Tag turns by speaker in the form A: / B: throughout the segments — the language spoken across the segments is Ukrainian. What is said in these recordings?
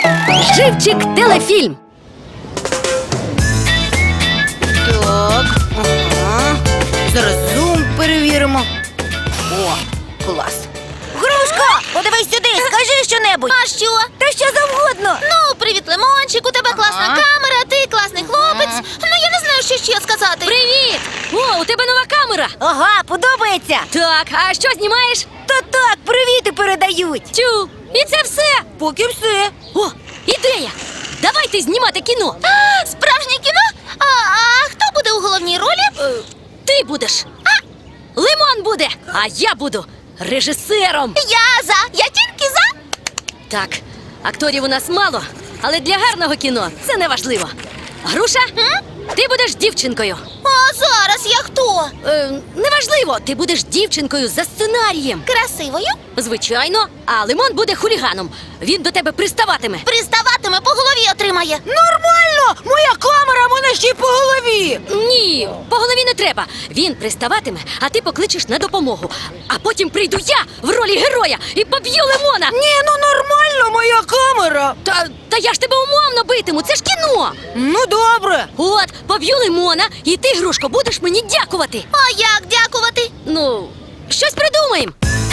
A: Живчик телефільм.
B: Так, ага. Зараз зум перевіримо. О, клас. Грушка, подивись сюди, скажи щонебудь.
C: А що?
B: Та що завгодно.
C: Ну, привіт, Лимончик, у тебе класна камера, ти класний хлопець. Ну, я не знаю, що ще сказати.
A: Привіт! О, у тебе нова камера.
B: Ага, подобається.
A: Так, а що знімаєш?
B: Та так, привіти передають.
A: Тю, і це все.
B: Поки все.
A: О, ідея! Давайте знімати кіно.
C: А, справжнє кіно? А хто буде у головній ролі?
A: Ти будеш. Лимон буде, а я буду режисером.
C: Я тільки за.
A: Так, акторів у нас мало, але для гарного кіно це не важливо. Груша, ти будеш дівчинкою.
C: А зараз я хто?
A: Неважливо, ти будеш дівчинкою за сценарієм.
C: Красивою?
A: Звичайно, а Лимон буде хуліганом. Він до тебе приставатиме.
C: Приставатиме, по голові отримає.
B: Нормально! Моя камера мене ще й по голові.
A: Ні, по голові не треба. Він приставатиме, а ти покличеш на допомогу. А потім прийду я в ролі героя і поб'ю Лимона.
B: Ні, ну нормально, моя камера.
A: Та я ж тебе умовно битиму, це ж кіно.
B: Ну добре.
A: От, поб'ю Лимона, і ти, Грушко, будеш мені дякувати.
C: А як дякувати?
A: Ну, щось придумаємо.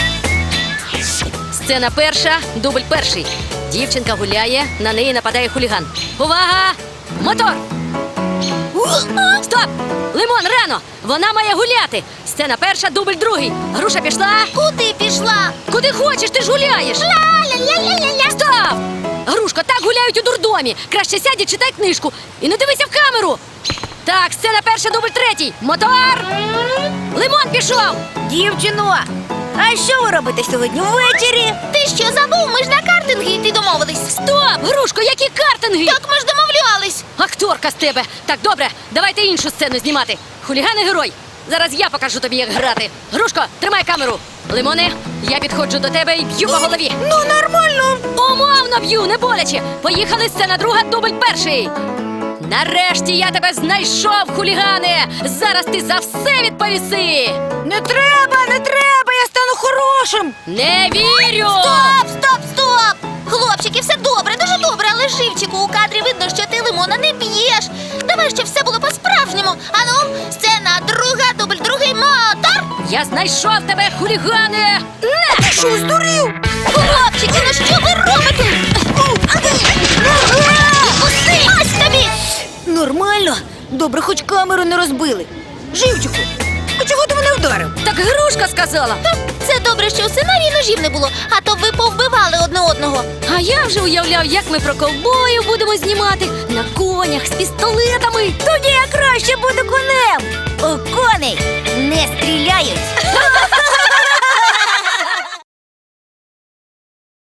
A: Сцена перша, дубль перший. Дівчинка гуляє, на неї нападає хуліган. Увага! Мотор! Стоп! Лимон, рано! Вона має гуляти! Сцена перша, дубль другий. Груша пішла.
C: Куди пішла?
A: Куди хочеш, ти ж гуляєш!
C: Ля-ля-ля-ля-ля-ля.
A: Стоп! Грушко, так гуляють у дурдомі. Краще сядь і читай книжку. І не дивися в камеру. Так, сцена перша, дубль третій. Мотор! Лимон пішов!
B: Дівчино, а що ви робите сьогодні ввечері?
C: Ти що забув? Ми ж на картинги йти домовились.
A: Стоп! Грушко, які картинги!
C: Так ми ж домовлялись.
A: Акторка з тебе! Так, добре, давайте іншу сцену знімати. Хуліган і герой. Зараз я покажу тобі, як грати. Грушко, тримай камеру. Лимоне, я підходжу до тебе і б'ю по голові.
B: Ну нормально.
A: Умовно б'ю, не боляче. Поїхали, сцена друга, дубль перший. Нарешті я тебе знайшов, хулігане! Зараз ти за все відповіси!
B: Не треба, я стану хорошим.
A: Не вірю!
C: Стоп! Хлопчики, все добре, дуже добре, але живчику, у кадрі видно, що ти Лимона не б'єш. Давай, щоб все було по-справжньому. Ану, сцена друга, дубль другий, мотор!
A: Я знайшов тебе, хулігане! Не!
B: Ти що, здурів?
C: Хлопчики, ну що ви робите? Відпусти! Ось тобі!
B: Нормально. Добре, хоч камеру не розбили. Живчику, а чого ти мене вдарив?
A: Так Грушка сказала.
C: Це добре, що у сценарії ножів не було, а то ви повбивали одне одного.
A: А я вже уявляв, як ми про ковбоїв будемо знімати на конях з пістолетами.
B: Тоді я краще буду конем.